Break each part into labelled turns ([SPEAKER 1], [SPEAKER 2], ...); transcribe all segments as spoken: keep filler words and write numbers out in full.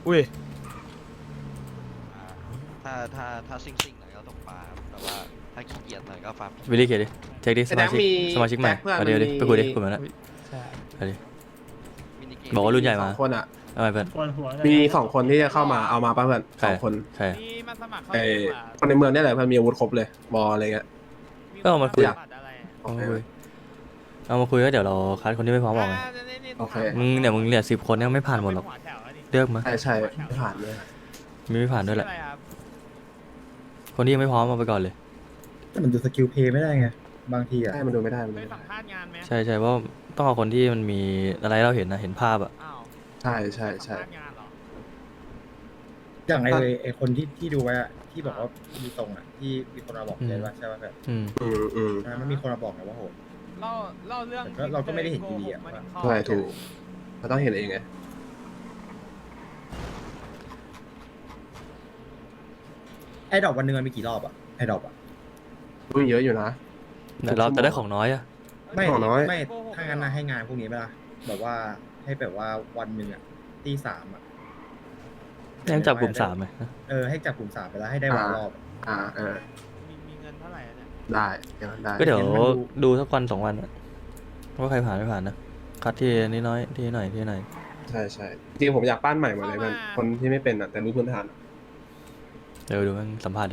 [SPEAKER 1] อุ้ย
[SPEAKER 2] ถ้าถ้าถ้าซิ่งซิ่งหน่อยก็ตกปลาแต่ว่าถ้าขี้เกียจหน่อยก็ฟาร์ม
[SPEAKER 3] วิลลี่เขียนดิเช็คดิสมาชิกสมาชิกใหม่เอาเดี๋ยวดิไปคุยดิคุยมาแล้ว
[SPEAKER 1] ใช่
[SPEAKER 3] เอาดิ
[SPEAKER 2] มินิเกม
[SPEAKER 3] บอกว่ารุ่นใหญ่มา
[SPEAKER 4] สองคนอ่ะ
[SPEAKER 3] เอาไปเพื่อน
[SPEAKER 4] มีสองคนที่จะเข้ามาเอามาป่ะเพื่อน
[SPEAKER 3] ใคร
[SPEAKER 4] สองคน
[SPEAKER 3] ใช่
[SPEAKER 1] นี่มาสมัครเข้า
[SPEAKER 4] ไอ้
[SPEAKER 1] เองเหรอ
[SPEAKER 4] คนในเมืองเนี่ยแหละเพื่อนมีอาวุธครบเลยบอลอะไรเงี้ย
[SPEAKER 3] ก็เอามาคุย
[SPEAKER 1] สมัรอะไร
[SPEAKER 4] โอ
[SPEAKER 3] เอา
[SPEAKER 4] เค
[SPEAKER 3] มาคุยเอามาคุยก็เดี๋ยวเราคัดคนที่ไม่พร้อมออกไง
[SPEAKER 4] โอเค
[SPEAKER 3] มึงเนี่ยมึงเนี่ยสิบคนเนี่ยไม่ผ่านหมดหรอกเลือกมา
[SPEAKER 4] ใช่ใช่ไม่ผ่านเลย
[SPEAKER 3] มีไม่ผ่านด้วยแหละ
[SPEAKER 1] ชื่ออะไรครับ
[SPEAKER 3] คนที่ยังไม่พร้อมเอาไปก่อนเลย
[SPEAKER 5] แต่มันดูสกิลเพย์ไม่ได้ไง บางทีอ่ะ
[SPEAKER 4] ใช่มันดูไม่ได้มัน
[SPEAKER 1] เค
[SPEAKER 4] ดู
[SPEAKER 1] ย
[SPEAKER 4] ไม่
[SPEAKER 1] สั
[SPEAKER 4] ได้
[SPEAKER 1] มภาษณ์งานไหม
[SPEAKER 3] ใช่ใช่เพราะต้องเอาคนที่มันมีอะไรเราเห็นนะเห็นภาพอ่ะ
[SPEAKER 1] อ้าว
[SPEAKER 4] ใช่ใช่ใช่
[SPEAKER 1] สัมภาษณ์งานเหรอ
[SPEAKER 5] อย่างไอไอคนที่ที่ดูไว้อะที่บอกว่ามีตรงอ่ะที่มีคนมาบอกเลยว่าใช่ป่ะแบบ
[SPEAKER 3] อืม
[SPEAKER 4] อืมอืม
[SPEAKER 5] มันมีคนมาบอกไงว่าโห
[SPEAKER 1] เล่าเล่าเรื่อง
[SPEAKER 5] แต่ก็เราก็ไม่ได้เห็นอยู่ดีอะ
[SPEAKER 1] โกหกมาถึงข้อ
[SPEAKER 4] ใช่ถูกเราต้องเห็นเองไง
[SPEAKER 5] ไอดอกวันหนึงมันมีกี่รอบอ่ะไอดอกอ่ะ
[SPEAKER 4] อุ้ยเยอะอยู่นะ
[SPEAKER 3] แต่เราจะได้ของน้อยอ่ะ
[SPEAKER 5] ไม่
[SPEAKER 4] ของน้อย
[SPEAKER 5] ไม่ถ้างั้นนะให้งานพวกนี้ไหมล่ะแบบว่าให้แบบว่าวันหนึ่งอ่ะตีสามอ่ะ
[SPEAKER 3] ยังจับกลุ่มสามไหม
[SPEAKER 5] เออให้จับกลุ่มสามไปแล้วให้ได้วันละรอบอะ
[SPEAKER 4] อ่าเออ
[SPEAKER 1] มีมีเงินเท่าไหร่อะเนี่ย
[SPEAKER 4] ได้อย่างนั้นได้
[SPEAKER 3] ก็เดี๋ยวดูสักวันสองวันอะว่าใครผ่านไม่ผ่านนะคัดที่นิดน้อยที่หน่อยที่หน่อย
[SPEAKER 4] ใช่ใช่จริงๆผมอยากปั้นใหม่หมดเลยมันคนที่ไม่เป็นอ่ะแต่รู้พื้นฐานอะ
[SPEAKER 3] เดี๋ยวดูมันสัมภาษณ์ดิ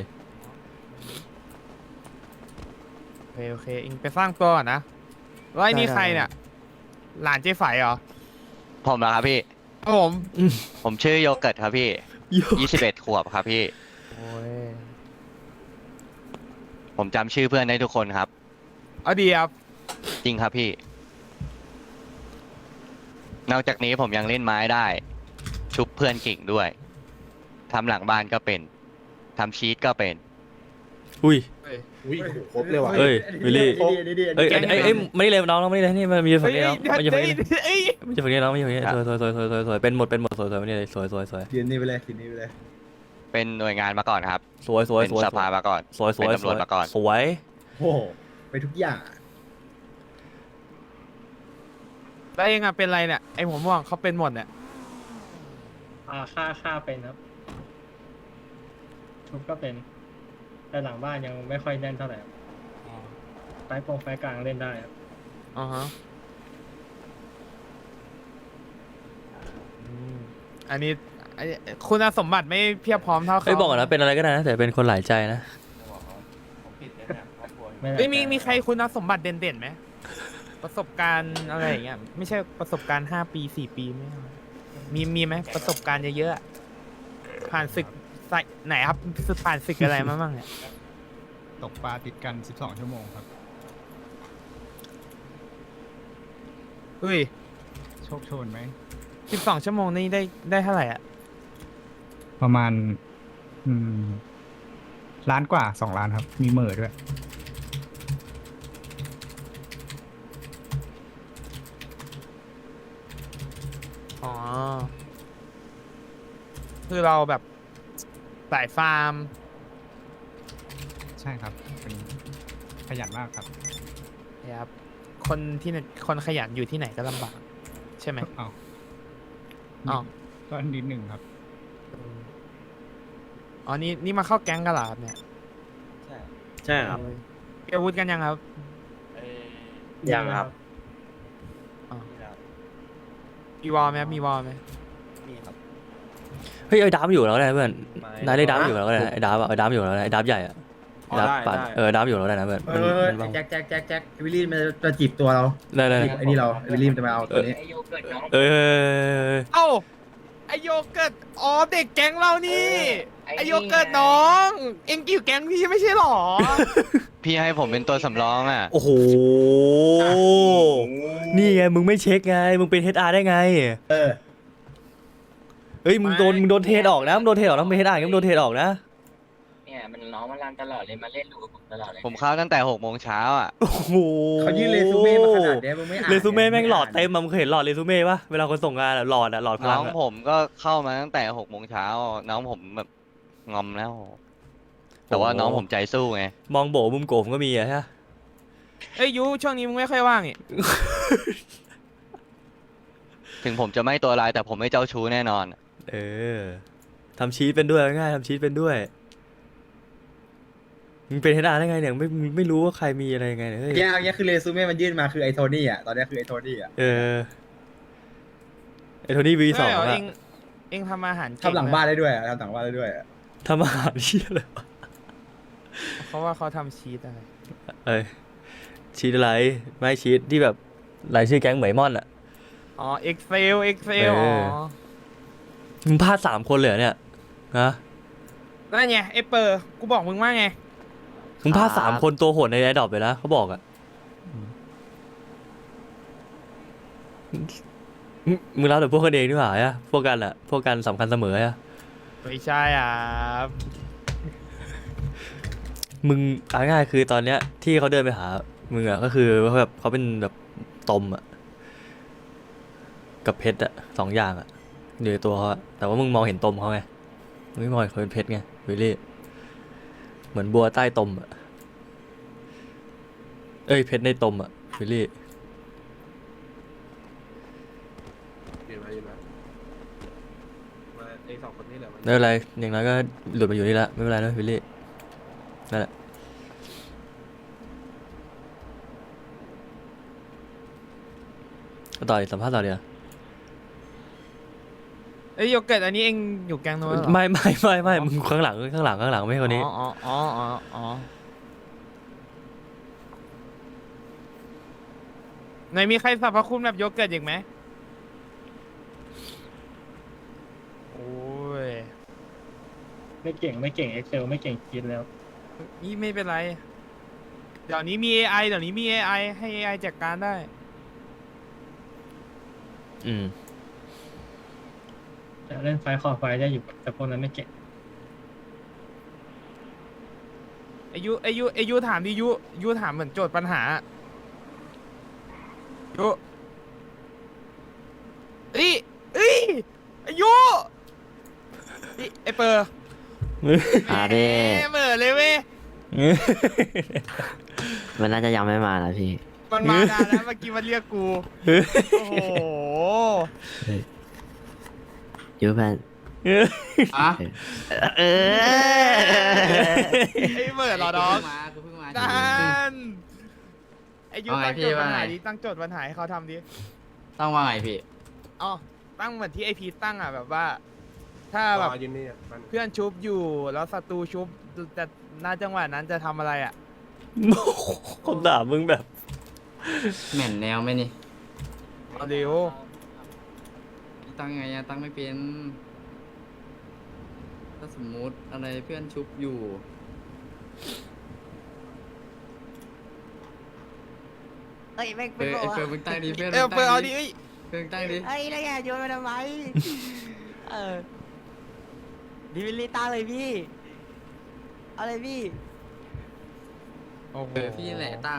[SPEAKER 1] โอเคโอเคเองไปสร้างตัวก่อนนะแล้วไอ้นี่ใครเนี่ยหลานเจ๊ไฝเหรอ
[SPEAKER 2] ผมนะครับพี่
[SPEAKER 1] ครับผม
[SPEAKER 2] ผมชื่อโยเกิร์ตครับพี่ยี่สิบเอ็ดขวบครับพี่
[SPEAKER 1] โอ้ย
[SPEAKER 2] ผมจำชื่อเพื่อนได้ทุกคนครับ
[SPEAKER 1] เอาดีครับ
[SPEAKER 2] จริงครับพี่ นอกจากนี้ผมยังเล่นไม้ได้ ชุบเพื่อนเก่งด้วยทำหลังบ้านก็เป็นทำชีตก็เป็น
[SPEAKER 3] อุ้ย
[SPEAKER 4] อุ้ยครบเลยว่ะ
[SPEAKER 3] เอ้ยวิลลี่
[SPEAKER 5] ดีดีดี
[SPEAKER 3] เอ้ยเอ้ยเอ้ยเอ้ยไม่ได้เลยน้องน้องไม่ได้เลยนี่มันมีฝั่งนี้น้อง
[SPEAKER 1] เฮ้
[SPEAKER 3] มัน
[SPEAKER 1] ย
[SPEAKER 3] จะฝั่ง
[SPEAKER 1] เฮ้ย
[SPEAKER 3] นี้
[SPEAKER 1] เฮ้ย
[SPEAKER 3] มันจะฝั่งนี้น้องมันจะฝั่งนี้สวยสวยสวยสวยสวยสวยเป็นหมดเป็นหมดสวยสวยไม่ได้เลยสวยสวยสวย
[SPEAKER 5] ยืนนี่ไปเลยยืนนี่ไปเลย
[SPEAKER 2] เป็นหน่วยงานมาก่อนครับ
[SPEAKER 3] สวยสวย
[SPEAKER 2] เป็น
[SPEAKER 3] สวย
[SPEAKER 2] สภามาก่อน
[SPEAKER 3] สวยสวย
[SPEAKER 2] เป็นตำรวจมาก่อน
[SPEAKER 3] สวย
[SPEAKER 5] โอ้โหไปทุกอย่างอะ
[SPEAKER 1] แล้วเองอะเป็นไรเนี่ยไอหัวม่วงเขาเป็นหมดเนี่ย
[SPEAKER 6] อ่าค่าค่าเป็นครับทุบก็เป็น แต่หลังบ้านยังไม่ค่อยแน่นเท่าไหร่ครับไฟโปงไฟกลางเล่นได้ครับ
[SPEAKER 1] อ๋อฮะอืมอันนี้ไอ้คุณสมบัติไม่เพียบพร้อมเท่าเขา
[SPEAKER 3] เอ้ยบอกก่อนนะเป็นอะไรก็ได้นะแต่เป็นคนหลายใจนะ
[SPEAKER 6] ไม่
[SPEAKER 1] เอ้ยมีมีใครคุณสมบัติเด่นๆไหมประสบการณ์อะไรอย่างเงี้ยไม่ใช่ประสบการณ์ห้าปีสี่ปีไม่เอามีมีไหมประสบการณ์เยอะๆอะผ่านศึกใส่ไหนครับศึกผ่านศึกอะไรมาบ้างเนี่ย
[SPEAKER 7] ตกปลาติดกัน สิบสอง ชั่วโมงครับ
[SPEAKER 1] เฮ้ย
[SPEAKER 7] โชคโชนไหม
[SPEAKER 1] สิบสองชั่วโมงนี่ได้ได้เท่าไหร่อ่ะ
[SPEAKER 7] ประมาณ อืม ล้านกว่าสองล้านครับ มีเหม่อด้วย
[SPEAKER 1] อ๋อ คือเราแบบสายฟาร์ม
[SPEAKER 7] ใช่ครับ เป็นขยันมากครับ
[SPEAKER 1] นะครับ คนที่ไหนคนขยันอยู่ที่ไหนก็ลำบาก ใช่ไหม
[SPEAKER 7] เอา
[SPEAKER 1] อ๋อ
[SPEAKER 7] ก็นิดหนึ่งครับ
[SPEAKER 1] อ๋อ นี่นี่มาเข้าแก๊งกันเหรอครับเนี่ย
[SPEAKER 8] ใช่ครับ
[SPEAKER 1] มีอาวุธกันยังครับ
[SPEAKER 8] ยังครับ
[SPEAKER 1] มีวอลไหมครับมีวอลไหม
[SPEAKER 3] เฮ้ยไอ้ดับอยู่แล้วนะเพื่อนนายได้ดับอยู่แล้วนะไอ้ดับอะไอ้ดับอยู่แล้วนะไอ้ดับใหญ่อะ
[SPEAKER 8] อ๋อ
[SPEAKER 3] ดับ
[SPEAKER 8] ได้
[SPEAKER 3] ปัด
[SPEAKER 8] ได้
[SPEAKER 3] เออดับอยู่แล้วนะเพื่อน
[SPEAKER 5] เอ
[SPEAKER 3] มัน
[SPEAKER 5] อ
[SPEAKER 3] มันบ้าง
[SPEAKER 5] แจ็คแจ็คแจ็คแจ็ควิลลี่มันจะจีบตัวเรา
[SPEAKER 3] ได้ได้
[SPEAKER 5] จีบไอ้นี่เราวิลลี่มันจะมาเอาตัวนี้
[SPEAKER 3] เอ้ย
[SPEAKER 1] เอ้า ไอโยเกิร์ตอ๋อ เด็กแก๊งเรานี่ ไอโยเกิร์ตน้อง เอ็งอยู่แก๊งพี่ไม่ใช่หรอ
[SPEAKER 2] พี่ให้ผมเป็นตัวสำรองอ่ะ
[SPEAKER 3] โอ้โหนี่ไงมึงไม่เช็คไงมึงเป็น เอช อาร์ ได้ไง
[SPEAKER 5] เออ
[SPEAKER 3] เฮ้ยมึงโดนมึงโดนเทรดออกนะมึงโดนเทรดออกนะมึงเป็น เอช อาร์ มึงโดนเทรดออกนะ
[SPEAKER 9] เนี่ยมันน้องมันรันตลอดเลยมาเล่นลูกกับผมตลอดเลย
[SPEAKER 2] ผมเข้าตั้งแต่หกโมงเช้าอ่ะ
[SPEAKER 3] โอ้โห
[SPEAKER 5] เขายื่นเรซูเม่มาขนาดเนี้ยมึงไม่อ่าน
[SPEAKER 3] เรซูเม่แม่งหลอด
[SPEAKER 5] ไ
[SPEAKER 3] เต็มอะมึงเคยเห็นหลอดเรซูเม่ปะเวลาคนส่งงานอะหลอดอะหลอดพ
[SPEAKER 2] น้
[SPEAKER 3] ลั
[SPEAKER 2] อง ง
[SPEAKER 3] อะ
[SPEAKER 2] ผมก็เข้ามาตั้งแต่หกโมงเช้า น้องผมแบบงอมแล้ว แต่ว่าน้องผมใจสู้ไง
[SPEAKER 3] มองโบมุมโกมก็มีอะฮะ
[SPEAKER 1] เอ้ยยูช่วงนี้มึงไม่ค่อยว่างนี่
[SPEAKER 2] ถึงผมจะไม่ตัวลายแต่ผมไม่เจ้าชู้แน่นอน
[SPEAKER 3] เออทำชีสเป็นด้วยง่ายๆทำชีสเป็นด้วยมึงเป็นเฮดอาร์ได้ไงเนี่ยไม่มึงไม่รู้ว่าใครมีอะไรยังไงเนี่ยเฮ้ย
[SPEAKER 5] แย่เอาเนี้ยคือเรซูเม่มันยื่นมาคือไอโทนี่อ่ะตอนเนี้ยคือไอโทนี่อ่ะ
[SPEAKER 3] เออไอโทนี่วีสอง
[SPEAKER 1] ใช่เหรอ
[SPEAKER 3] อะ
[SPEAKER 1] เองเองทำอาหารเก่
[SPEAKER 5] ทำหลังบ้านได้ด้วยอะทำหลังบ้านได้ด้วยอะ
[SPEAKER 3] ทำอาหารเชี่ยเลยวะ
[SPEAKER 1] เพราะว่าเขาทำชีสอะไร
[SPEAKER 3] เอ้ยชีสอะไรไม่ชีสที่แบบรายชื่อแก๊งเหมยม่อนอะ
[SPEAKER 1] อ๋อ Excel Excel
[SPEAKER 3] เอ
[SPEAKER 1] อ๋
[SPEAKER 3] อ
[SPEAKER 1] อ
[SPEAKER 3] มึงพลาดสามคนเลยเหรอเนี่ยฮะ
[SPEAKER 1] นั่นไงไอเปอร์กูบอกมึงว่าไง
[SPEAKER 3] มึงพลาดสามคนตัวโหดในแอดดอปเลยนะเขาบอกอะมึงมึงรับแต่พวกกันเองนี่หว่าอะพวกกันอะพวกกันสำคัญเสมออะ
[SPEAKER 1] ไม่ใช่อ่ะ
[SPEAKER 3] มึงเอาง่ายๆคือตอนเนี้ยที่เขาเดินไปหามึงอะก็คือว่าแบบเขาเป็นแบบตมอะกับเพชรอะสองอย่างอะอยู่ในตัวเขาอะแต่ว่ามึงมองเห็นตมเขาไงมึงไม่มองเห็นเขาเป็นเพชรไงวิลลี่เหมือนบัวใต้ตมอะเอ้ยเพชรในตมอะวิลลี่
[SPEAKER 4] ยืนมายืนมามาไอสองคนนี้แหละมัน
[SPEAKER 3] ไม่เป็นไรอย่างน้อยก็หลุดมาอยู่นี่ละไม่เป็นไรนะวิลลี่นั่นแหละต่ออีกสัมภาษณ์ต่อเดียว
[SPEAKER 1] เอ้ยโยเกิร์ตอันนี้เองอยู่แกงโน้นเหรอ
[SPEAKER 3] ไม่ไม่ไม่ไม่มึงข้างหลังข้างหลังข้างหลังไม่ใช่คนนี้
[SPEAKER 1] อ๋ออ๋ออ๋ออ๋อไหนมีใครสรรพคุณแบบโยเกิร์ตอีกไหมโอ้ย
[SPEAKER 6] ไม่เก่งไม่เก่ง Excel ไม่เก่งคิดแล้ว
[SPEAKER 1] นี่ไม่เป็นไร เดี๋ยวนี้มี เอ ไอ เดี๋ยวนี้มี เอ ไอ ให้ เอ ไอ จัดการได้
[SPEAKER 3] อืม
[SPEAKER 6] จะเล่นไฟคอไฟได้อยู่แต่พวกนั้นไม่เก่ง
[SPEAKER 1] อายุอายุอายุถามดิยุยุถามเหมือนโจทย์ปัญหายุเอ้ยเอ้ยอายุเอ้ยไอเปอร์
[SPEAKER 8] อ่าพี่
[SPEAKER 1] แหมเหม่อเลยเว้ย
[SPEAKER 8] มันน่าจะยังไม่มานะพี่
[SPEAKER 1] มันมานานแล้วเมื่อกี้มันเรียกกู โอ้โห
[SPEAKER 8] ยูแพน
[SPEAKER 9] อ่ะ
[SPEAKER 8] เออ
[SPEAKER 1] ไอเหม่อเหรอน้อง
[SPEAKER 9] มากูเพิ่งมา
[SPEAKER 1] ดันไอายุ
[SPEAKER 9] ว่าไง
[SPEAKER 1] ตั้ง
[SPEAKER 9] พี่
[SPEAKER 1] โจทย์ปัญ
[SPEAKER 9] ว่า
[SPEAKER 1] หา
[SPEAKER 9] ไง
[SPEAKER 1] ดิตั้งโจทย์ปัญหาให้เขาทำดิ
[SPEAKER 9] ต้องว่าไงพี่
[SPEAKER 1] อ๋อตั้งเหมือนที่ไอพีตั้งอ่ะแบบว่า ถ้าแบบ
[SPEAKER 4] รอยืนนี่อ่ะมัน
[SPEAKER 1] เพื่อนชุบอยู่แล้วศัตรูชุบแต่หน้าจังหวะนั้นจะทำอะไรอ่ะ
[SPEAKER 3] คนด่ามึงแบบ
[SPEAKER 9] เหม็นแนวไหมนี่
[SPEAKER 1] เอาเร็ว
[SPEAKER 9] ตั้งไงอะตั้งไม่เป็น ถ้าสมมุติอะไรเพื่อนชุบอยู่
[SPEAKER 8] เอ้ยแม่ง
[SPEAKER 9] เอ
[SPEAKER 8] เป็น
[SPEAKER 9] อ
[SPEAKER 8] บอก
[SPEAKER 9] ไอ
[SPEAKER 8] ว่า
[SPEAKER 9] เฟิร์นมึงตั้งดิเพื่อน
[SPEAKER 1] เออ
[SPEAKER 9] มึง
[SPEAKER 1] เปิ
[SPEAKER 9] ตั้
[SPEAKER 1] ด
[SPEAKER 9] ง
[SPEAKER 1] เอาดิ
[SPEAKER 9] ดิ
[SPEAKER 1] เอ้ย
[SPEAKER 9] เฟิร์นตั้งดิ
[SPEAKER 8] เอ้ยแล้วแกโยนมาทำไมเออดิวิลลี่ตาเลยพี่เอาเลยพี่
[SPEAKER 1] โอ้โห
[SPEAKER 9] เออพี่แหละตั้ง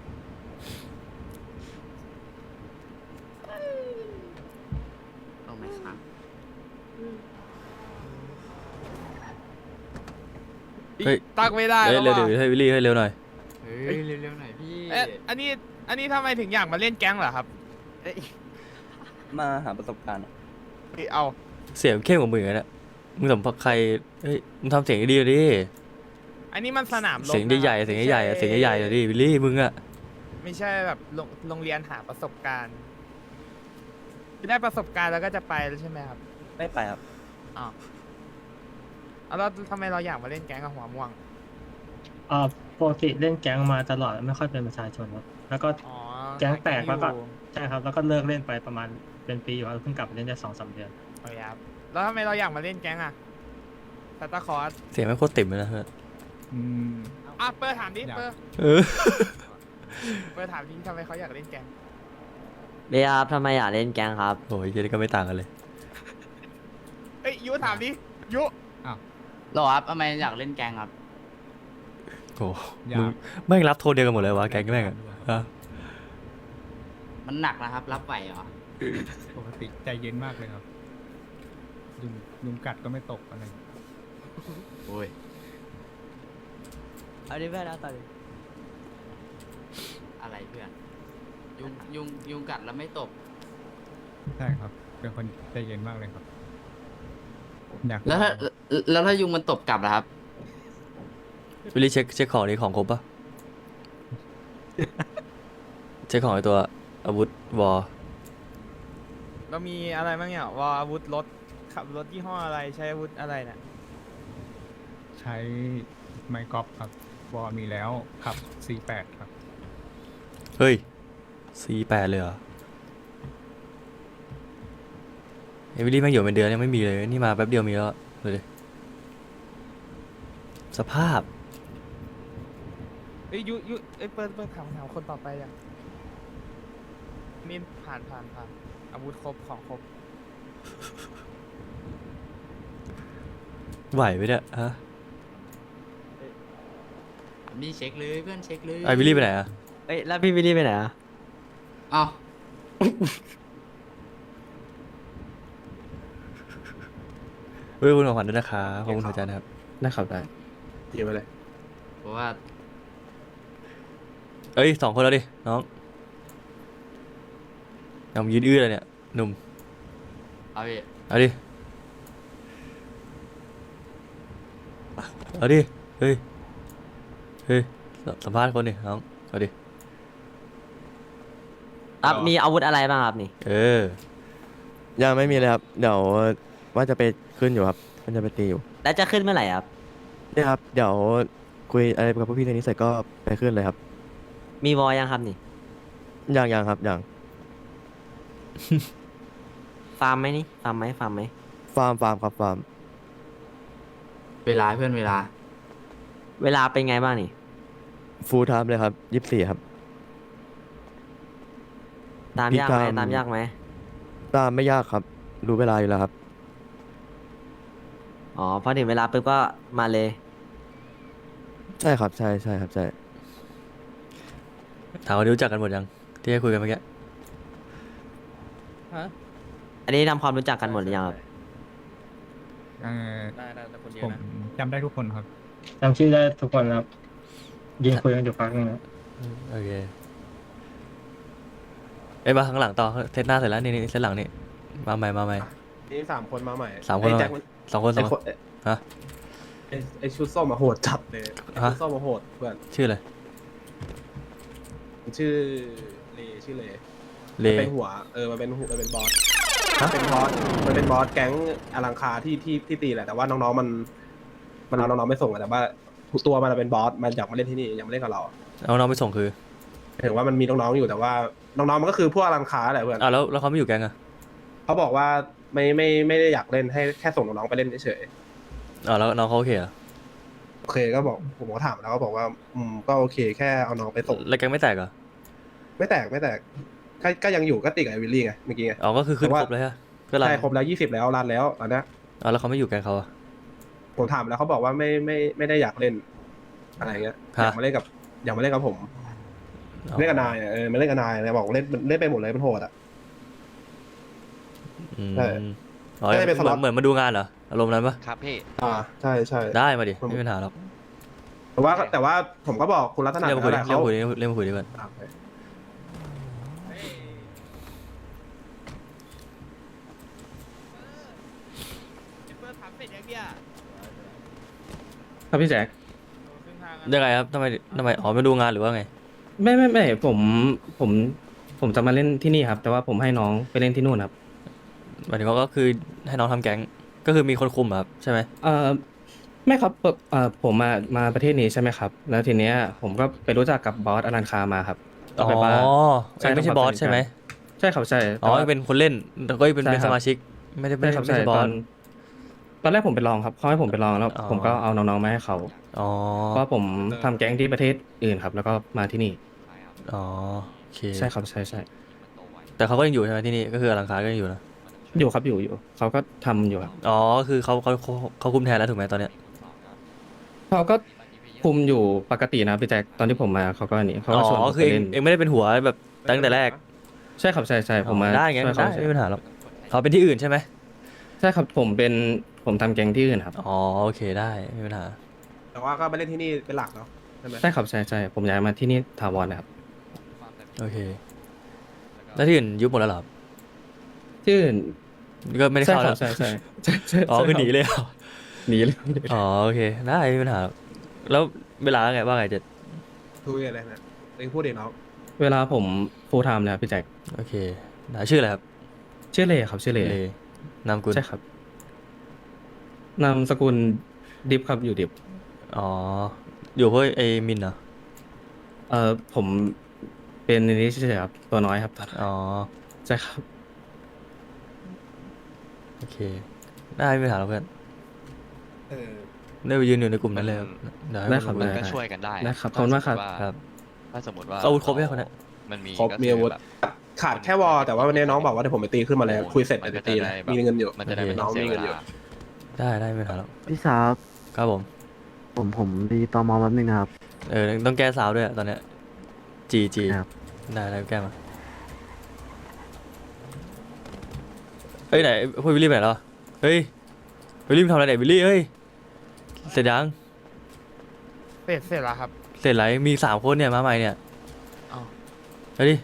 [SPEAKER 9] เอาไหมครับ
[SPEAKER 3] เฮ้ย
[SPEAKER 1] ตั้งไม่ได้
[SPEAKER 3] เฮ้ย
[SPEAKER 1] แล้ว
[SPEAKER 3] เร็ว
[SPEAKER 1] ว่ะ
[SPEAKER 3] เดี๋ยวให้วิลลี่ให้เร็วหน่อย
[SPEAKER 9] เฮ้ยเร็วๆหน่อยพี่
[SPEAKER 1] เอ๊ะอันนี้อันนี้ทำไมถึงอยากมาเล่นแก๊งเหรอครับ
[SPEAKER 3] มาหาประสบการณ์
[SPEAKER 1] เอ้ยเอา
[SPEAKER 3] เสียงเข้มกว่ามึงอีกนะมึงสัมผัสใครเฮ้ยมึงทำเสียงดีๆดิ
[SPEAKER 1] อันนี้มันสนามรบ
[SPEAKER 3] เสียงใหญ่ๆ
[SPEAKER 1] นะครับ
[SPEAKER 3] เสียงใหญ่ๆอะเสียงใหญ่ๆอะดิวิลลี่มึงอะ
[SPEAKER 1] ไม่ใช่แบบโรงโรงเรียนหาประสบการณ์ได้ประสบการณ์แล้วก็จะไปแล้วใช่ไหมครับ
[SPEAKER 3] ไม่ไปครับ
[SPEAKER 1] อ้าวเอาแล้วทำไมเราอยากมาเล่นแก๊งกับหัวม่วง
[SPEAKER 6] เอ่อปกติเล่นแก๊งมาตลอดไม่ค่อยเป็นประชาชนครับแล้วก็
[SPEAKER 1] อ๋อ
[SPEAKER 6] แก๊งแตกแล้วก็
[SPEAKER 1] อยู่
[SPEAKER 6] ใช่ครับแล้วก็เลิกเล่นไปประมาณเป็นปีอยู่ครับเพิ่งกลับมาเล่นได้สองสามเดือน
[SPEAKER 1] โอเคครับแล้วทำไมเราอยากมาเล่นแก๊งอะสตาร์คอร์ส
[SPEAKER 3] เสียงไม่งโคตรติ่มเลยนะเพื่อน
[SPEAKER 7] อืม
[SPEAKER 1] อ่ะเปิดถามดิ
[SPEAKER 7] อยาก
[SPEAKER 1] เปิด
[SPEAKER 3] เออ
[SPEAKER 1] เปิดถามดิทำไมเขาอยากเล่นแก๊ง
[SPEAKER 8] เบียร์ครับทำไมอยากเล่นแก๊งครับ
[SPEAKER 3] โอ้ยเหี้ยนี่ก็ไม่ต่างกันเลย
[SPEAKER 1] เอ้ยยุถามดิยุ
[SPEAKER 9] หรอครับทำไมอยากเล่นแกงครับ
[SPEAKER 3] โอ้
[SPEAKER 7] อยาก
[SPEAKER 3] มึงแม่งรับโทษเดียวกันหมดเลยวะแก๊งแม่งอะฮะ
[SPEAKER 9] มันหนักนะครับ รับไหวเหรอ
[SPEAKER 7] ปกติใจเย็นมากเลยครับ ยุงยุงกัดก็ไม่ตกอะไร
[SPEAKER 9] โอ้ย
[SPEAKER 8] เอาดิเพื่อนเอาต่อดิ
[SPEAKER 9] อะไรเพื่อน ยุงยุงยุงกัดแล้วไม่ตบ
[SPEAKER 7] ใช่ครับ เป็นคนใจเย็นมากเลยครับอยาก
[SPEAKER 10] แล้วถ้าแล้วถ้ายุงมันตบกลับล่ะครับ
[SPEAKER 3] วิลลี่เช็คเช็คของนี้ของครบปะ เช็คของไอตัวอาวุธวอล
[SPEAKER 1] เรามีอะไรบ้างเนี่ยวออาวุธรถขับรถยี่ห้ออะไรใช้อาวุธอะไรเนี่ย
[SPEAKER 7] ใช้ไมค์กอล์ฟครับวอลมีแล้วขับ ซี แปด ครับ
[SPEAKER 3] เฮ้ย ซี แปด เลยเหรอเอวิลี่แม่งอยู่เป็นเดือนยังไม่มีเลย นี่มาแป๊บเดียวมีแล้วดูดิสภาพ
[SPEAKER 1] เอ้ยยุยุเอ้ยเปิดเปิดถามถามคนต่อไปอ่ะนี่ผ่านผ่านผ่านอาวุธครบของครบ
[SPEAKER 3] ไหวไหมเนี่ยฮะ
[SPEAKER 10] นี่เช็คเลยเพื่อนเช็คเลย
[SPEAKER 3] ไอวิลลี่ไปไหนอะ
[SPEAKER 8] เอ้ยแล้วพี่วิลลี่ไปไหนอ่ะ
[SPEAKER 10] อ้าว
[SPEAKER 3] เฮ้ยคุณของขวัญด้วยนะครับขอบคุณหัวใจนะครับ
[SPEAKER 6] นะครับได้
[SPEAKER 4] เก็บไปเลย
[SPEAKER 10] เพราะว่า
[SPEAKER 3] เอ้ยสองคนแล้วดิ น้องยังยืนอื้อเลยเนี่ย หนุ่ม
[SPEAKER 10] เอาพี่
[SPEAKER 3] เอาดิ เอาดิ เฮ้ย เฮ้ย สัมภาษณ์คนดิน้อง เอาดิ
[SPEAKER 8] ครับมีอาวุธอะไรบ้างครับนี่
[SPEAKER 3] เออ
[SPEAKER 11] ยังไม่มีเลยครับ เดี๋ยวว่าจะไปขึ้นอยู่ครับมันจะไปตีอยู่
[SPEAKER 8] แล้วจะขึ้นเมื่อไหร่ครับ
[SPEAKER 11] เนี่ยครับ เดี๋ยวคุยอะไรกับพวกพี่เรื่องนี้เสร็จก็ไปขึ้นเลยครับ
[SPEAKER 8] มีวอยังครับนี่
[SPEAKER 11] ยังยังครับยัง
[SPEAKER 8] ฟาร์มไหมนี่ฟาร์มไหมฟาร์มไหม
[SPEAKER 11] ฟาร์มฟาร์มครับฟาร์ม
[SPEAKER 10] เวลาเพื่อนเวลา
[SPEAKER 8] เวลาเป็นไงบ้างนี่
[SPEAKER 11] ฟูลไทม์เลยครับยี่สิบสี่ครับ
[SPEAKER 8] ตาม
[SPEAKER 11] พี่
[SPEAKER 8] ยากไหม
[SPEAKER 11] ตาม
[SPEAKER 8] ตามยากไหม
[SPEAKER 11] ตามไม่ยากครับ รู้เวลาอยู่แล้วครับ
[SPEAKER 8] อ๋อพอถึงเวลาปุ๊บก็มาเลย
[SPEAKER 11] ใช่ครับใช่ใช่ครับใช่
[SPEAKER 3] ถามว่ารู้จักกันหมดยัง ที่ให้คุยกันเมื่อกี้
[SPEAKER 1] ฮะ
[SPEAKER 8] อันนี้ทำความรู้จักกันหมดหรือยังครับ
[SPEAKER 7] เอ่อ
[SPEAKER 3] ได้ได้แต่คนเดีย
[SPEAKER 7] ผ
[SPEAKER 3] ว
[SPEAKER 7] ม
[SPEAKER 3] นะ
[SPEAKER 7] จำได้ทุกคนครับ
[SPEAKER 6] จำชื่อได้ทุกคนครับยิงคุยกันอยู่พักนึงนะ
[SPEAKER 3] โอเค เอ้ยมาข้างหลังต่อเซตหน้าเสร็จแล้วนี่นี่เซตหลังนี่ มาใหม่มาใหม่
[SPEAKER 4] นี่สามคนมาใหม่
[SPEAKER 3] สามคน
[SPEAKER 4] ไอ้
[SPEAKER 3] มาใหม่
[SPEAKER 4] แจ็คมัน
[SPEAKER 3] สองคนสอ
[SPEAKER 4] ไอ้
[SPEAKER 3] ง
[SPEAKER 4] ค
[SPEAKER 3] คน
[SPEAKER 4] น
[SPEAKER 3] ฮะ
[SPEAKER 4] ไอ้ไอ้ชุดส้มมาโหดจัดเลยไอ้
[SPEAKER 3] ฮะ
[SPEAKER 4] ชุดส้มมาโหดเพื่อน
[SPEAKER 3] ชื่ออะไร
[SPEAKER 4] มันชื่อเลชื่อเล
[SPEAKER 3] เล
[SPEAKER 4] เป็นหัวเออมันเป็นหัวมันเป็นบอส
[SPEAKER 3] ฮะ
[SPEAKER 4] เป็นบอสมันเป็นบอสแก๊งอลังคาที่ที่ที่ตีแหละแต่ว่าน้องๆมัน มันเอาน้องๆไม่ส่งอะแต่ว่าตัวมันเป็นบอสมันอยากมาเล่นที่นี่อยากมาเล่นกับเรา
[SPEAKER 3] เอาน้องไปส่งคือ
[SPEAKER 4] ถึงว่ามันมีน้องๆอยู่แต่ว่าน้องๆมันก็คือพวกอลังคาแหละเพื่อน
[SPEAKER 3] อ่าแล้วแล้วเขาไม่อยู่แก๊งอะ
[SPEAKER 4] เขาบอกว่าไม่ไม่ไม่ได้อยากเล่นให้แค่ส่งน้องๆไปเล่นเฉย
[SPEAKER 3] อ่าแล้วน้องเขาโอเคเหรอ
[SPEAKER 4] ๆโอเคก็บอกผมก็ถามแล้วก็บอกว่าอืมก็โอเคแค่เอาน้องไปส่ง
[SPEAKER 3] แล้วแก๊งไม่แตกเหรอ
[SPEAKER 4] ไม่แตกไม่แตกก็ก็ยังอยู่ก็ติดกับไอวิลลี่ไงเมื่อกี้ไง
[SPEAKER 3] อ๋อก็คือขึ้น
[SPEAKER 4] แต่ว่า
[SPEAKER 3] ครบเลยฮะก็รัน
[SPEAKER 4] ใช่ครบแล้วยี่สิบแล้วรันแล้วตอนเนี้ย
[SPEAKER 3] อ๋อแล้วเขาไม่อยู่แก๊งเขาอะ
[SPEAKER 4] ผมถามแล้วเขาบอกว่าไม่ไม่ไม่ได้อยากเล่นอะไรเงี้ย
[SPEAKER 3] ฮะ
[SPEAKER 4] อยากมาเล่นกับอยากมาเล่นกับผม
[SPEAKER 3] อ๋อ
[SPEAKER 4] เล่นกับนายอะเออมาเล่นกับนายเลยบอกเล่นเล่นไปหมดเลยมันโหดอ่ะ
[SPEAKER 3] อืม
[SPEAKER 4] ใช่
[SPEAKER 3] อ๋อ
[SPEAKER 4] ไม่ได้เป็น
[SPEAKER 3] เห
[SPEAKER 4] ส
[SPEAKER 3] มื
[SPEAKER 4] ล็
[SPEAKER 3] อ
[SPEAKER 4] อต
[SPEAKER 3] นเหมือนมาดูงานเหรออารมณ์นั้นปะ
[SPEAKER 2] ครับพี่
[SPEAKER 4] อ่าใช่ใช่
[SPEAKER 3] ได้มาดิ
[SPEAKER 4] ผม
[SPEAKER 3] ไม่มีปัญหาหรอก
[SPEAKER 4] แต่ว่าแต่ว่าผมก็บอกคุณรัตนา
[SPEAKER 3] เรียกมาคุยดิ
[SPEAKER 4] แล้วแหละ
[SPEAKER 3] เรียก
[SPEAKER 4] เขา
[SPEAKER 3] มาคุยดิเรียกมาคุยดิก่อน
[SPEAKER 4] อ่าโอเค
[SPEAKER 1] เปิดถามเสร็จยังเนี่ย
[SPEAKER 6] ครับพี่แจ็ค
[SPEAKER 1] ครึ่งทาง
[SPEAKER 3] ยังไงครับทำไมทำไมอ๋อมาดูงานหรือว่าไง
[SPEAKER 6] ไม่ไม่ไม่ผมผมผมจะมาเล่นที่นี่ครับ แต่ว่าผมให้น้องไปเล่นที่นู่นครับ
[SPEAKER 3] หมายถึงว่าก็คือให้น้องทำแก๊งก็คือมีคนคุมอะครับใช่ไหม
[SPEAKER 6] เอ่อไม่ครับเอ่อเอ่อผมมามาประเทศนี้ใช่ไหมครับ แล้วทีเนี้ยผมก็ไปรู้จักกับบอสอลันคามาครับ
[SPEAKER 3] อ๋
[SPEAKER 6] ก็ไปบ้าน
[SPEAKER 3] อ
[SPEAKER 6] ใช่
[SPEAKER 3] ไม่ใช่
[SPEAKER 6] ครับ
[SPEAKER 3] บอสใช่ไหม
[SPEAKER 6] ใช่ครับใช่
[SPEAKER 3] อ๋อ
[SPEAKER 6] แต่ว่า
[SPEAKER 3] เป็นคนเล่นแต่ก็เป็น
[SPEAKER 6] ใช่
[SPEAKER 3] เป็น
[SPEAKER 6] ครั
[SPEAKER 3] ส
[SPEAKER 6] บ
[SPEAKER 3] มาชิก ไม่ได้ไม่
[SPEAKER 6] ใช่
[SPEAKER 3] ได้
[SPEAKER 6] ครับ
[SPEAKER 3] ไม่
[SPEAKER 6] ใช่
[SPEAKER 3] ใช่บ
[SPEAKER 6] ต
[SPEAKER 3] อ
[SPEAKER 6] อ
[SPEAKER 3] ส
[SPEAKER 6] นตอนแรกผมไปลองครับเขาให้ผมไปลองแล้ว
[SPEAKER 3] อ๋อ
[SPEAKER 6] ผมก็เอาน้องๆมาให้เขา
[SPEAKER 3] อ๋อ
[SPEAKER 6] เพราะว่าผมทำแก๊งที่ประเทศอื่นครับ แล้วก็มาที่นี่
[SPEAKER 3] อ๋อโอเค
[SPEAKER 6] ใช่ครับใช่ใช่
[SPEAKER 3] แต่เขาก็ยังอยู่ใช่ไหมที่นี่ก็คืออลังคารก็ยังอยู่นะ
[SPEAKER 6] อยู่ครับอยู่อยู่เขาก็ทำอยู่ครับ
[SPEAKER 3] อ๋อคือเขาเขาเขาเขาคุมแทนแล้วถูกไหมตอนเนี้ย
[SPEAKER 6] เขาก็คุมอยู่ปกตินะพี่แจ็คตอนที่ผมมาเขาก็อันนี้เขา
[SPEAKER 3] อ๋
[SPEAKER 6] ก็ชวนผ
[SPEAKER 3] อ
[SPEAKER 6] ม
[SPEAKER 3] คือ
[SPEAKER 6] ไป
[SPEAKER 3] เอง
[SPEAKER 6] เล่น
[SPEAKER 3] เองไม่ได้เป็นหัวแบบตั้งแต่แรก
[SPEAKER 6] ใช่ครับใช่ใช่ผมมา
[SPEAKER 3] ได้ไง
[SPEAKER 6] ช่วย
[SPEAKER 3] ได้
[SPEAKER 6] เขา
[SPEAKER 3] ไม่มีปัญหาหรอกเขาเป็นที่อื่นใช่ไหม
[SPEAKER 6] ใช่ครับผมเป็นผมทำแก๊งที่อื่นครับ
[SPEAKER 3] อ๋อโอเคได้ไม่มีปัญหา
[SPEAKER 4] แต่ว่าก็ไปเล่นที่นี่เป็นหลักเนาะใช่ไหม
[SPEAKER 6] ใช่ครับใช่ใช่ผมย้ายมาที่นี่ถาวรนะครับ
[SPEAKER 3] โอเคแล้วที่อื่นยุบหมดแล้วเหรอครับ
[SPEAKER 6] ที่อื่น
[SPEAKER 3] ก็ไม่ได้
[SPEAKER 6] ใช่
[SPEAKER 3] เข้า
[SPEAKER 6] ค
[SPEAKER 3] แล้
[SPEAKER 6] รั
[SPEAKER 3] ว
[SPEAKER 6] บใช่ใช่ใช่ใช่
[SPEAKER 3] อ๋อ
[SPEAKER 6] ใช่
[SPEAKER 3] คือ
[SPEAKER 6] รับ
[SPEAKER 3] หนีเลยเหรอ
[SPEAKER 6] หนีเลย
[SPEAKER 3] อ๋อโอเคได้ไม่มีปัญหาหรอกแล้วเวลาไงว่าไงเจ็ด
[SPEAKER 4] ทุยอะไรนะเองพูดเองน้อง
[SPEAKER 6] เวลาผม full time เลยครับพี่แจ็ค
[SPEAKER 3] โอเคได้ชื่ออะไรครับ
[SPEAKER 6] ชื่อเลครับชื่อเล
[SPEAKER 3] เลนามกุล
[SPEAKER 6] ใช่ครับนามสกุลดิฟครับอยู่ดิฟ
[SPEAKER 3] อ๋ออยู่เพราะไอ้มินเหรอ
[SPEAKER 6] เอ่อผมเป็นอันนี้เฉยๆครับตัวน้อยครับ
[SPEAKER 3] อ๋อ
[SPEAKER 6] ใช่ครับ
[SPEAKER 3] โอเคได้ไม่มีปัญหาหรอกเพื่อน
[SPEAKER 4] เออ
[SPEAKER 3] ได้ไปยืนอยู่ในกลุ่มนั้นเลยครับเยวให้
[SPEAKER 6] ได้ครับ
[SPEAKER 3] น
[SPEAKER 2] มัน
[SPEAKER 3] รู้
[SPEAKER 2] ก็ช่วยกันได้
[SPEAKER 6] ได้ครับขอบคุณมากครับ
[SPEAKER 3] ครับ
[SPEAKER 2] ถ้าสมมติว่า
[SPEAKER 3] อาวุธครบยังคนเนี้ย
[SPEAKER 2] มันมี
[SPEAKER 4] ครบ
[SPEAKER 2] ก็
[SPEAKER 4] มี
[SPEAKER 2] คือ
[SPEAKER 4] อาวุธ
[SPEAKER 2] แบบ
[SPEAKER 4] ขาดแค่วอลแต่ว่าวันนี้น้องบอกว่าเดี๋ยวผมไปตีขึ้นมาแล้วคุยเสร็จเดี๋ยวไปตีนะมีเงินอยู่
[SPEAKER 2] มันจะได้ไม่
[SPEAKER 4] น้
[SPEAKER 2] ต้
[SPEAKER 4] อ
[SPEAKER 2] อง งเสีย
[SPEAKER 4] มี
[SPEAKER 2] เว
[SPEAKER 4] เงินอยู่
[SPEAKER 2] ลา
[SPEAKER 3] ได้ได้ไม่มีปัญหาหรอก
[SPEAKER 12] พี่สาว
[SPEAKER 3] ครับผม
[SPEAKER 12] ผมผมดีตอมอแป๊บนึงนะครับ
[SPEAKER 3] เออต้องแก้สาวด้วยอะตอนเนี้ยจีจี
[SPEAKER 12] ครับ
[SPEAKER 3] ได้ได้แก้มาเฮ้ยไหนพวกวิลลี่ไปไหนแล้ววะเฮ้ยวิลลี่มึงทำอะไรเนี่ยวิลลี่เฮ้ยเสร็จยัง
[SPEAKER 1] เสร็จเสร็จแล้วครับ
[SPEAKER 3] เสร็จไรมีสามคนเนี่ยมาใหม่เนี่ย
[SPEAKER 1] อ้าว
[SPEAKER 3] เฮ้ยดิ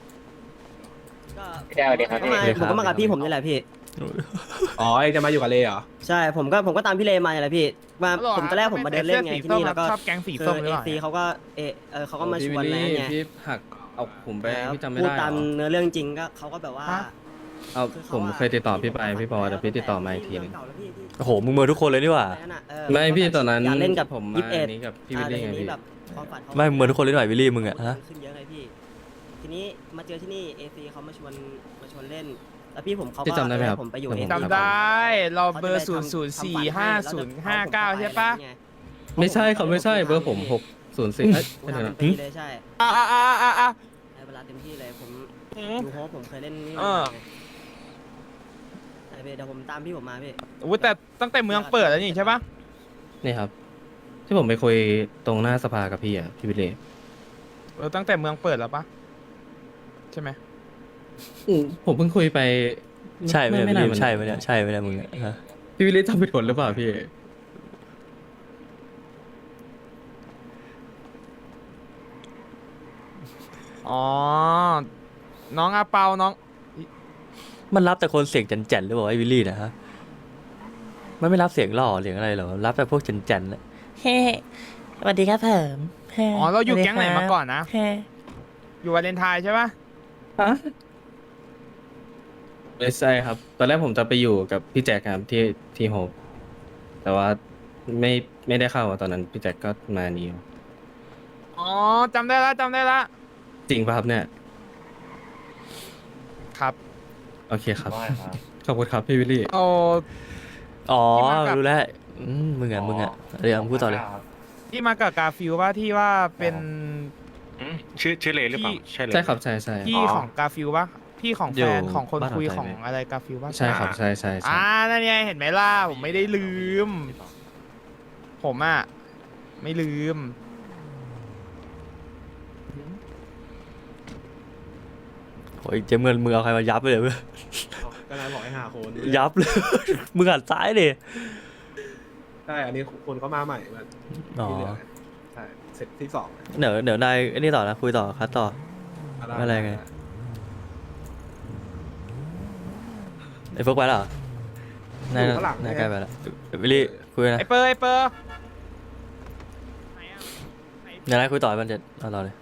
[SPEAKER 9] พี่ดาวดีครับ
[SPEAKER 8] ก็
[SPEAKER 9] พี่
[SPEAKER 8] มา
[SPEAKER 3] เลยครับ
[SPEAKER 8] ผมก็มากับพี่ผมนี่แหละพี่
[SPEAKER 4] อ๋อเองจะมาอยู่กับเลเหรอ
[SPEAKER 8] ใช่ผมก็ผมก็ตามพี่เลมานี่แหละพี่มาผมตอนแรกผมมาเดินเล่นไงที่นี่แล้วก็
[SPEAKER 1] ชอบแก๊งสี
[SPEAKER 8] คือ
[SPEAKER 1] ส้มหรือ
[SPEAKER 8] เอ
[SPEAKER 1] เปล่า
[SPEAKER 8] ซีเขาก็เอเออเขาก็มาช
[SPEAKER 6] พี่
[SPEAKER 8] วน
[SPEAKER 6] วิล
[SPEAKER 8] อะไร
[SPEAKER 6] ลี่
[SPEAKER 8] ไง
[SPEAKER 6] พี่หักเอาผมไป
[SPEAKER 8] แล้ว
[SPEAKER 6] พี่จำไม่
[SPEAKER 8] พูด
[SPEAKER 6] ได้
[SPEAKER 8] ตาม
[SPEAKER 6] เหรอ
[SPEAKER 8] เนื้อเรื่องจริงก็เขาก็แบบว่า
[SPEAKER 1] ฮะ
[SPEAKER 6] เอา
[SPEAKER 8] คือ
[SPEAKER 6] ผม
[SPEAKER 8] ขาะ
[SPEAKER 6] เคยติดต่อพี่ไปพี่ปอแต่พี่ติดต่อมาอีกทีหนึง
[SPEAKER 8] เก่าแล้วพี่ที่
[SPEAKER 3] โอ้โหมึงเมินทุกคนเลยนี่หว่า
[SPEAKER 8] นั่นน่ะเออ
[SPEAKER 6] ไม่พี่ตอนนั้น
[SPEAKER 8] อยากเล่นกับ
[SPEAKER 6] ผม
[SPEAKER 8] ยี่
[SPEAKER 6] มา
[SPEAKER 8] สิบเอ็ด
[SPEAKER 6] อันนี้กับพี่วิลลี่ไง
[SPEAKER 8] อ่าแต่ที
[SPEAKER 6] พี่
[SPEAKER 8] นี้แบบความฝันขา
[SPEAKER 3] ไม่มึงเมินทุกคนเลยหน่อยวิลลี่มึงอะฮะ
[SPEAKER 8] ขึ้นเยอะไงพี่ ทีนี้มาเจอที่นี่เอซีเขามาชวนมาชวนเล่น แล้วพี่ผมเขา
[SPEAKER 6] พี่
[SPEAKER 8] ก็
[SPEAKER 6] จำได้ไหมครับ
[SPEAKER 8] ผมไปอยู่
[SPEAKER 6] ผม
[SPEAKER 8] เอ
[SPEAKER 1] จำได้ เราเบอร์ศูนย์ศูนย์สี่ห้าศูนย์ห้าเก้าใช่ปะ
[SPEAKER 6] ไม่ใช่เขาไม่ใช่เบอร์ผมหกศูนย์สี่เอ้ย
[SPEAKER 8] ผม
[SPEAKER 6] ไม่ใช่
[SPEAKER 8] ทำ
[SPEAKER 6] นะ
[SPEAKER 8] เป็นปีเลยใช่
[SPEAKER 1] อ่าอ่าอ่าอ่าอ่า
[SPEAKER 8] ในเวลาเต็มที่เลยผม
[SPEAKER 1] อืม
[SPEAKER 8] ดูโฮปผมเคยเล่นนี่
[SPEAKER 1] เออ
[SPEAKER 8] ไอเดี๋ยวผมตามพี่ผมมาพี่
[SPEAKER 1] อุ้ยแต่ตั้งแต่เมืองเปิดแล้วนี่ใช่ปะ
[SPEAKER 6] นี่ครับ ที่ผมไปคุยตรงหน้าสภากับพี่อ่ะพี่วิลลี่
[SPEAKER 1] เออตั้งแต่เมืองเปิดแล้วปะใช่ไหม
[SPEAKER 6] อืมผมเพิ่งคุยไป
[SPEAKER 3] ใช่ไหมเนี่ยวิล
[SPEAKER 6] นา
[SPEAKER 3] ลี่
[SPEAKER 6] น
[SPEAKER 3] ใช่ไหมเนี่ยใช่ไหมเนี่ยมึงอะฮะ
[SPEAKER 6] พี่วิลลี่ทำผิดผลหรือเปล่าพี่
[SPEAKER 1] อ๋อ น้องอาเปาน้อง
[SPEAKER 3] มันรับแต่คนเสียงแจ่นๆหรือเปล่าไอ้วิลลี่เนะฮะมันไม่รับเสียงหล่อเสียงอะไรหรอรับแต่พวกแจ่นๆน่ะ
[SPEAKER 8] เฮ้สวัสดีครับเผิม
[SPEAKER 1] อ๋อเราอยู่แก๊งไหนมาก่อนนะ
[SPEAKER 8] เฮ้
[SPEAKER 1] อยู่วาเลนไทน์ใช่ปะ
[SPEAKER 6] ฮะไม่ใช่ครับ ตอนแรกผมจะไปอยู่กับพี่แจ็คครับที่ที่โฮปแต่ว่าไม่ไม่ได้เข้าอะตอนนั้นพี่แจ็คก็มานี่อยู่
[SPEAKER 1] อ๋อจำได้ละจำได้ละ
[SPEAKER 6] จริงป่ะครับเนี่ย
[SPEAKER 1] ครับ
[SPEAKER 6] โอเคครับ ขอบคุณครับพี่วิลลี่
[SPEAKER 1] โอ้
[SPEAKER 3] อ๋อ
[SPEAKER 1] ที่มากับ
[SPEAKER 3] รู้แล้วอืมมึงอ่ะมึงอ่ะเดี๋ยวมึงพูดต่อเลย
[SPEAKER 1] ที่มากับกาฟิลว่าที่ว่าเป็น
[SPEAKER 13] ชื่อชื่อเลหรือเปล่า
[SPEAKER 1] พี่
[SPEAKER 13] ใช่เลย
[SPEAKER 6] ใช่ครับใช่ใช่
[SPEAKER 1] พี่ของกาฟิลปะพี่ของ
[SPEAKER 3] เดี๋
[SPEAKER 1] แฟ
[SPEAKER 3] ยวน
[SPEAKER 1] ของคน
[SPEAKER 3] บ้าน
[SPEAKER 1] คุย
[SPEAKER 3] เรา
[SPEAKER 1] ของ
[SPEAKER 3] ใจไหม
[SPEAKER 1] อะไรกาฟิลปะ
[SPEAKER 6] ใช่ครับใช่ใช่ใช่
[SPEAKER 1] อ่านั่นไงเห็นไหมล่ะผมไม่ได้ลืม ผมอ่ะไม่ลืม
[SPEAKER 3] โอ้ยเจมเงินมึงเอาใครมายับไปเลยเว้ย
[SPEAKER 4] ก็นายบอกให้หาคน
[SPEAKER 3] ยับเลย มึงหันซ้ายดิ
[SPEAKER 4] ใช่อันนี้คนเขามาใหม่มา
[SPEAKER 3] อ๋อ
[SPEAKER 4] ที่เหลือใช่เสร็จที่สอง
[SPEAKER 3] เดี๋ยวเดี๋ยวนายไอ้นี่ต่อนะคุยต่อคัดต่อ อะไรไง ไอ้พวกไปแล้วเหรอนายนายใกล้ไปแล้ววิลลี่คุยนะ
[SPEAKER 1] ไอเปอร์ไอเปอร์
[SPEAKER 3] เดี๋ยวนายคุยต่อให้มันจะเอาต่อเลย